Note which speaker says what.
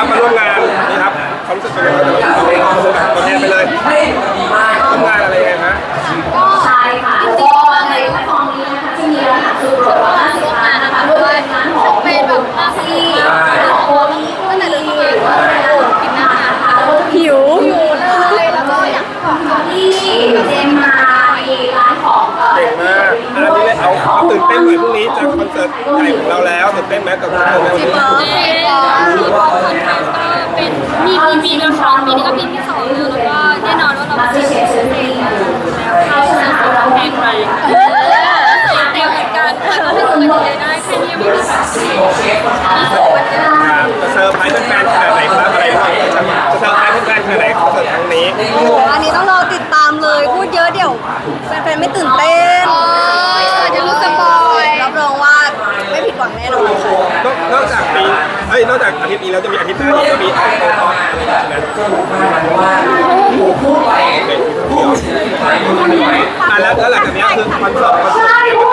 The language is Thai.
Speaker 1: ครับมาร่วมงานนี่ครับความรู้สึกเป็นยังไงบ้างตัวแทนไปเลยร่วมงานอะไรยังไงฮะ
Speaker 2: ก็ใช่ค่ะก็ในแพลตฟอร์มนี้นะคะจะมีรหัสสูตรว่าร่วมงานนะคะด้วยงานของเป็นแบบมาซีโอ้มีตั้งแต่เดือนที่แล้วกินอาหารค่ะหิวเลยแล้วก็อยากบอกที่เจมมามีร้านของ
Speaker 1: เก่งมากอันนี้เลยเอาตื่นเต้นหน่อยพรุ่งนี้จะคอนเสิร์ตใหญ่ของเราแล้วตื่นเต้นไหมกับคอนเสิร์ตในวันนี้
Speaker 2: เป็นมีละครปีนี้ก็ปีที่2แล้วแล้วก็แน่นอนว่าเราจะเชียร์เองแล้วเข้าสนามแข่งแรงเตรียมเหมือนกันถ้าเราจะได้แค่นี้ไม่มีแบบ
Speaker 1: จะเซอร์ไพรส์แฟนๆขนาดไหนครับอะไรบ้างจะเซอร์ไพรส์แฟนๆขนาดไหนคอนเสิร์ตครั้งนี้
Speaker 3: โอ้โหอันนี้ต้องรอติดตามเลยพูดเยอะเดี๋ยวแฟนๆไม่ตื่นเต้น
Speaker 2: เดี๋ยวรู้สปอย
Speaker 3: รับรองว่าไม่ผิดหวังแน่นอนค่ะ
Speaker 1: นอกจากนอกจากอาทิตย์นี้แล้วจะมีอาทิตย์หน้าอีกก็มีอะไรใช่ไหมแล้วหลังจากนี้คือคอนเสิร์ต